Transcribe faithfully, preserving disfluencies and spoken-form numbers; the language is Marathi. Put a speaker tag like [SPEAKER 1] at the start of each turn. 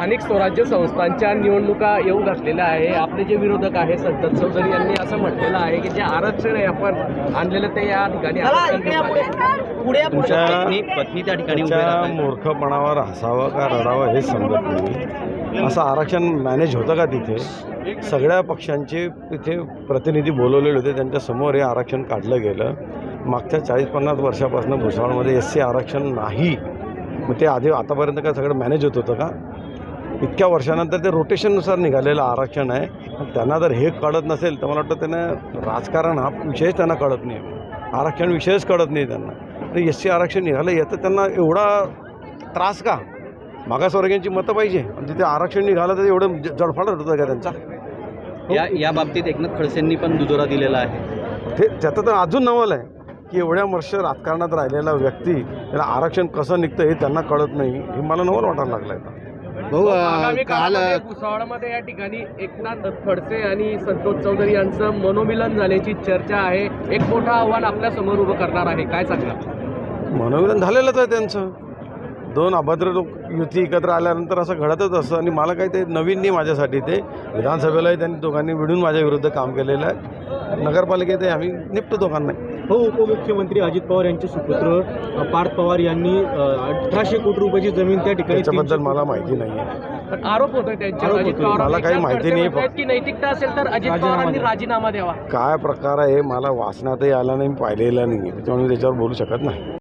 [SPEAKER 1] अनेक स्वराज्य संस्थांच्या निवडणुका येऊ घातलेल्या आहे. आपले जे विरोधक आहे संतत चौधरी यांनी असं म्हटलेलं आहे की जे आरक्षण आहे आपण आणलेलं ते या ठिकाणी आरक्षण
[SPEAKER 2] तुमच्या पत्नी त्या ठिकाणी मूर्खपणावर हसावं का रडावं हे समजत नाही. असं आरक्षण मॅनेज होतं का? तिथे सगळ्या पक्षांचे तिथे प्रतिनिधी बोलवलेले होते, त्यांच्यासमोर हे आरक्षण काढलं गेलं. मागच्या चाळीस पन्नास वर्षापासून भुसावळमध्ये एस सी आरक्षण नाही. मग ते आधी आतापर्यंत काय सगळं मॅनेज होत होतं का? इतक्या वर्षानंतर ते रोटेशननुसार निघालेलं आरक्षण आहे. त्यांना जर हे कळत नसेल तर मला वाटतं त्यांना राजकारण हा विषयच त्यांना कळत नाही, आरक्षण विषयच कळत नाही त्यांना. तर एस सी आरक्षण निघालं याचं त्यांना एवढा त्रास का? मागासवर्गीयांची मतं पाहिजे आणि तिथे आरक्षण निघालं तर एवढं जडफाड होतं का त्यांचा?
[SPEAKER 3] या या बाबतीत एकनाथ खडसेंनी पण दुजोरा दिलेला आहे.
[SPEAKER 2] ते त्याचं तर अजून नवल आहे की एवढ्या वर्ष राजकारणात राहिलेला व्यक्ती त्याला आरक्षण कसं निघतं हे त्यांना कळत नाही. हे मला नवल वाटायला लागलं आहे.
[SPEAKER 1] भाऊ काल भुसावळमध्ये या ठिकाणी एकनाथ खडसे आणि संतोष चौधरी यांचं मनोमिलन झाल्याची चर्चा आहे. एक मोठं आव्हान आपल्या समोर उभं करणार आहे, काय सांगणार?
[SPEAKER 2] मनोमिलन झालेलंच आहे त्यांचं. दोन अभद्र लोक युती एकत्र आल्यानंतर असं घडतच असतं आणि मला काही ते नवीन नाही माझ्यासाठी. ते विधानसभेलाही त्यांनी दोघांनी मिळून माझ्या विरुद्ध काम केलेलं आहे. नगरपालिकेतही आम्ही निपटतो दोघांना.
[SPEAKER 4] हो, उपमुख्यमंत्री अजित पवार यांचे सुपुत्र पार्थ पवार यांनी अठराशे कोटी रुपयाची जमीन त्या ठिकाणी.
[SPEAKER 2] त्याच्याबद्दल मला माहिती नाही आहे.
[SPEAKER 1] आरोप होतोय त्यांच्यावर. अजित पवार
[SPEAKER 2] मला काही माहिती नाही.
[SPEAKER 1] की नैतिकता असेल तर अजित पवारांनी राजीनामा द्यावा.
[SPEAKER 2] काय प्रकार आहे मला वाचनातही आला नाही, पाहिलेला नाही, त्याच्यामुळे मी त्याच्यावर बोलू शकत नाही.